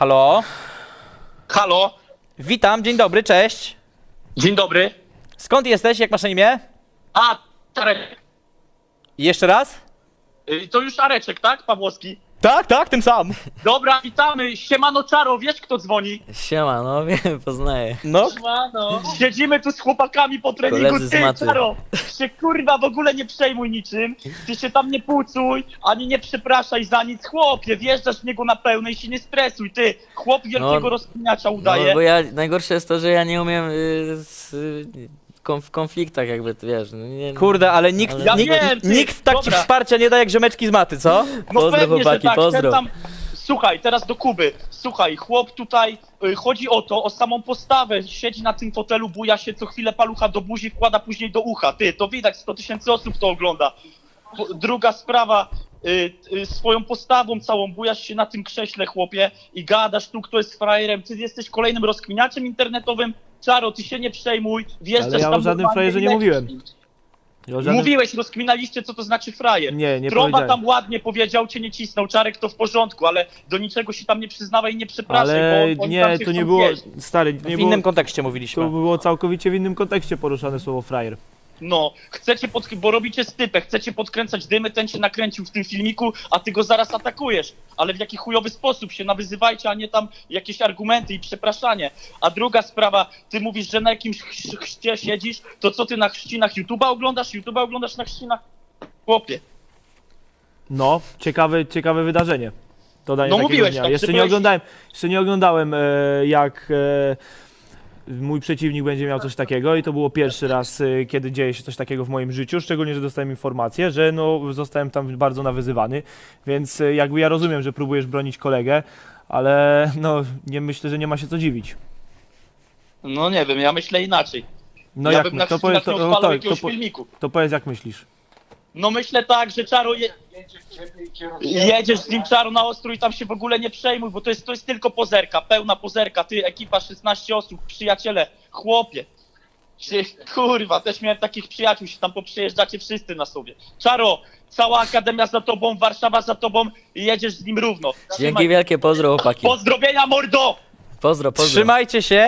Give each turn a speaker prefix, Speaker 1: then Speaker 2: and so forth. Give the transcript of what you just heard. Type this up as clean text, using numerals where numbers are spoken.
Speaker 1: Halo?
Speaker 2: Halo,
Speaker 1: Witam, dzień dobry, cześć.
Speaker 2: dzień dobry.
Speaker 1: Skąd jesteś, jak masz na imię?
Speaker 2: A, Czarek.
Speaker 1: I jeszcze raz?
Speaker 2: To już Areczek, tak? Pawłowski.
Speaker 1: Tak, tym sam.
Speaker 2: Dobra, witamy. Siemano Czaro, wiesz kto dzwoni?
Speaker 3: Siema, no wiem, poznaję.
Speaker 1: No,
Speaker 2: Siemano. Siedzimy tu z chłopakami po treningu.
Speaker 3: Koledzy z
Speaker 2: Ty,
Speaker 3: maty.
Speaker 2: Czaro, się kurwa w ogóle nie przejmuj niczym. Ty się tam nie pucuj, ani nie przepraszaj za nic. Chłopie, wjeżdżasz w niego na pełne i się nie stresuj. Ty, chłop wielkiego rozkminiacza udaje.
Speaker 3: No bo ja, najgorsze jest to, że ja nie umiem w konfliktach jakby, ty wiesz, no nie,
Speaker 1: kurde, ale nikt,
Speaker 3: Ale-
Speaker 2: Ja
Speaker 1: nikt,
Speaker 2: wiem, ty,
Speaker 1: nikt tak ci
Speaker 2: dobra.
Speaker 1: wsparcia nie da jak ziomeczki z maty, co?
Speaker 2: No
Speaker 3: Pozdro,
Speaker 2: pewnie,
Speaker 3: chłopaki,
Speaker 2: że tak.
Speaker 3: pozdro.
Speaker 2: Ten tam... Słuchaj, teraz do Kuby. Słuchaj, chłop tutaj, chodzi o to, o samą postawę. Siedzi na tym fotelu, buja się co chwilę palucha do buzi, wkłada później do ucha. Ty, to widać, 100 000 osób to ogląda. Druga sprawa, swoją postawą całą bujasz się na tym krześle, chłopie, i gadasz tu, kto jest frajerem. Ty jesteś kolejnym rozkminiaczem internetowym. Czaro, ty się nie przejmuj, wjeżdżasz
Speaker 4: Ale ja
Speaker 2: tam
Speaker 4: o żadnym
Speaker 2: normalnie
Speaker 4: frajerze
Speaker 2: i
Speaker 4: nie
Speaker 2: lecisz.
Speaker 4: mówiłem. Ja o żadnym-
Speaker 2: Mówiłeś, rozkminaliście, co to znaczy frajer.
Speaker 4: Nie
Speaker 2: Trąba
Speaker 4: powiedziałem.
Speaker 2: tam ładnie powiedział, cię nie cisnął, Czarek to w porządku, ale do niczego się tam nie przyznawaj i nie przepraszaj,
Speaker 4: Ale
Speaker 2: bo oni
Speaker 4: nie,
Speaker 2: tam cię
Speaker 4: to nie
Speaker 2: chcą
Speaker 4: było,
Speaker 2: zjeść.
Speaker 4: stary,
Speaker 1: W
Speaker 4: nie
Speaker 1: innym
Speaker 4: było,
Speaker 1: kontekście
Speaker 4: to
Speaker 1: mówiliśmy.
Speaker 4: było całkowicie w innym kontekście poruszane słowo frajer.
Speaker 2: No, chcecie bo robicie stypę, chcecie podkręcać dymy, ten się nakręcił w tym filmiku, a ty go zaraz atakujesz. Ale w jaki chujowy sposób się nawyzywajcie, a nie tam jakieś argumenty i przepraszanie. A druga sprawa, ty mówisz, że na jakimś chrzcie siedzisz, to co ty na chrzcinach YouTube'a oglądasz? YouTube'a oglądasz na chrzcinach? Chłopie.
Speaker 4: No, ciekawe wydarzenie. Dodanie
Speaker 2: No
Speaker 4: takiego
Speaker 2: mówiłeś,
Speaker 4: dnia.
Speaker 2: tak,
Speaker 4: Jeszcze
Speaker 2: że
Speaker 4: nie
Speaker 2: byłeś-
Speaker 4: oglądałem, jak mój przeciwnik będzie miał coś takiego i to było pierwszy raz, kiedy dzieje się coś takiego w moim życiu, szczególnie, że dostałem informację, że no, zostałem tam bardzo nawyzywany, więc jakby ja rozumiem, że próbujesz bronić kolegę, ale no, nie myślę, że nie ma się co dziwić.
Speaker 2: No nie wiem, ja myślę inaczej.
Speaker 4: No
Speaker 2: ja
Speaker 4: jak
Speaker 2: bym na
Speaker 4: to
Speaker 2: chrzcinach nie odpalał jakiegoś
Speaker 4: to,
Speaker 2: filmiku.
Speaker 4: to powiedz jak myślisz.
Speaker 2: No myślę tak, że Czaro jedziesz z nim Czaro na ostrój i tam się w ogóle nie przejmuj, bo to jest tylko pozerka, pełna pozerka. Ty, ekipa 16 osób, przyjaciele, chłopie. Kurwa, też miałem takich przyjaciół, się tam poprzejeżdżacie wszyscy na sobie. Czaro, cała akademia za tobą, Warszawa za tobą i jedziesz z nim równo.
Speaker 3: Dzięki wielkie, pozdro chłopaki.
Speaker 2: Pozdrowienia, mordo!
Speaker 3: Pozdro.
Speaker 1: Trzymajcie się.